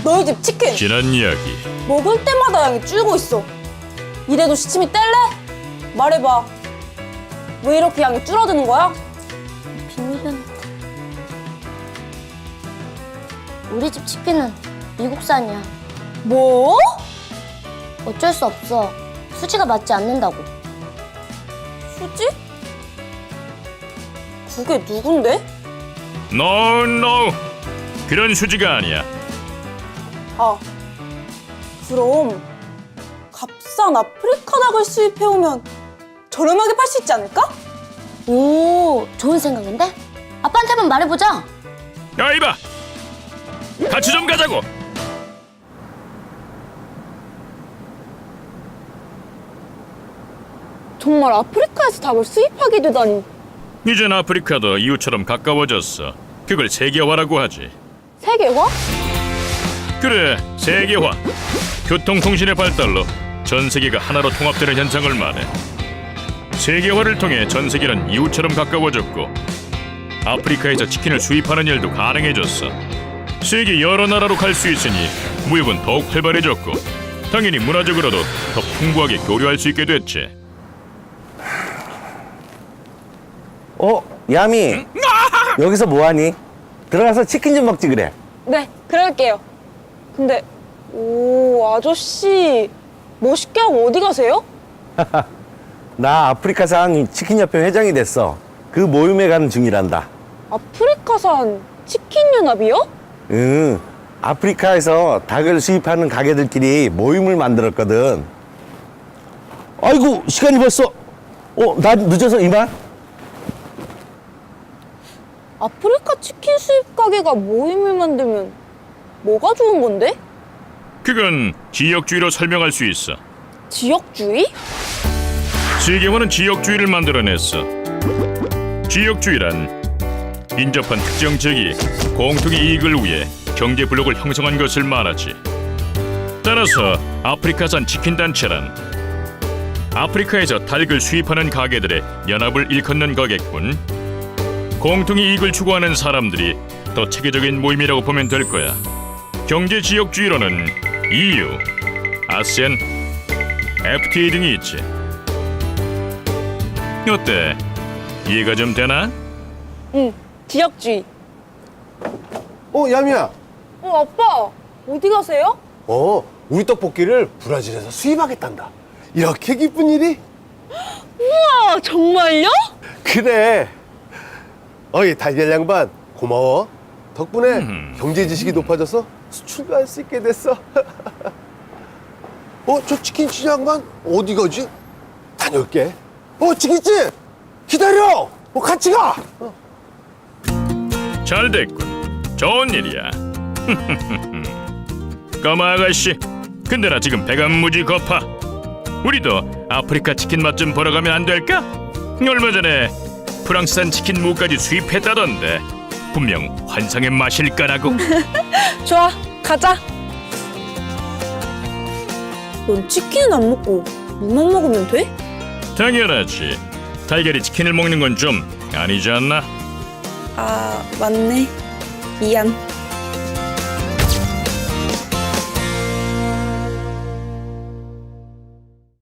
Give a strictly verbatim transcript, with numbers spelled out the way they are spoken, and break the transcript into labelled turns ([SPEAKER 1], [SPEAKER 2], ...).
[SPEAKER 1] 너희 집 치킨
[SPEAKER 2] 지난 이야기.
[SPEAKER 1] 먹을 때마다 양이 줄고 있어. 이래도 시침이 뗄래? 말해봐. 왜 이렇게 양이 줄어드는 거야?
[SPEAKER 3] 비밀은 우리 집 치킨은 미국산이야.
[SPEAKER 1] 뭐?
[SPEAKER 3] 어쩔 수 없어. 수지가 맞지 않는다고.
[SPEAKER 1] 수지? 그게 누군데?
[SPEAKER 2] No, no. 그런 수지가 아니야.
[SPEAKER 1] 아, 그럼 값싼 아프리카 닭을 수입해오면 저렴하게 팔 수 있지 않을까?
[SPEAKER 3] 오, 좋은 생각인데? 아빠한테 한번 말해보자.
[SPEAKER 2] 야, 이봐. 같이 좀 가자고.
[SPEAKER 1] 정말 아프리카에서 닭을 수입하게 되다니.
[SPEAKER 2] 이젠 아프리카도 이웃처럼 가까워졌어. 그걸 세계화라고 하지.
[SPEAKER 1] 세계화?
[SPEAKER 2] 그래, 세계화. 교통통신의 발달로 전 세계가 하나로 통합되는 현상을 말해. 세계화를 통해 전 세계는 이웃처럼 가까워졌고 아프리카에서 치킨을 수입하는 일도 가능해졌어. 세계 여러 나라로 갈 수 있으니 무역은 더욱 활발해졌고 당연히 문화적으로도 더 풍부하게 교류할 수 있게 됐지.
[SPEAKER 4] 어? 야미 여기서 뭐하니? 들어가서 치킨 좀 먹지 그래.
[SPEAKER 1] 네, 그럴게요. 근데 오, 아저씨 멋있게 하고 어디 가세요?
[SPEAKER 4] 나 아프리카산 치킨협회 회장이 됐어. 그 모임에 가는 중이란다.
[SPEAKER 1] 아프리카산 치킨연합이요?
[SPEAKER 4] 응, 아프리카에서 닭을 수입하는 가게들끼리 모임을 만들었거든. 아이고 시간이 벌써 어? 나 늦어서 이만?
[SPEAKER 1] 아프리카 치킨 수입 가게가 모임을 만들면 뭐가 좋은 건데?
[SPEAKER 2] 그건 지역주의로 설명할 수 있어.
[SPEAKER 1] 지역주의?
[SPEAKER 2] 세계화는 지역주의를 만들어냈어. 지역주의란 인접한 특정 지역이 공통의 이익을 위해 경제 블록을 형성한 것을 말하지. 따라서 아프리카산 치킨 단체란 아프리카에서 닭을 수입하는 가게들의 연합을 일컫는 거겠군. 공통의 이익을 추구하는 사람들이 더 체계적인 모임이라고 보면 될 거야. 경제 지역주의로는 이유, 아세안, 에프티에이 등이 있지. 어때? 이해가 좀 되나?
[SPEAKER 1] 응, 지역주의.
[SPEAKER 5] 어, 야미야.
[SPEAKER 1] 어, 아빠 어디 가세요?
[SPEAKER 5] 어, 우리 떡볶이를 브라질에서 수입하겠단다. 이렇게 기쁜 일이?
[SPEAKER 1] 우와, 정말요?
[SPEAKER 5] 그래. 어이, 달걀 양반, 고마워. 덕분에
[SPEAKER 2] 음.
[SPEAKER 5] 경제 지식이 높아져서 수출도 할 수 있게 됐어. 어, 저 치킨집 양반 어디 가지? 다녀올게. 어, 치킨집! 기다려! 어, 같이 가! 어.
[SPEAKER 2] 잘 됐군. 좋은 일이야. 까마 아가씨, 근데 나 지금 배가 무지 고파. 우리도 아프리카 치킨 맛 좀 보러 가면 안 될까? 얼마 전에 프랑스산 치킨 무까지 수입했다던데 분명 환상의 맛일 거라고.
[SPEAKER 1] 좋아, 가자. 넌 치킨은 안 먹고 무만 먹으면 돼?
[SPEAKER 2] 당연하지. 달걀이 치킨을 먹는 건 좀 아니지 않나?
[SPEAKER 1] 아, 맞네. 미안.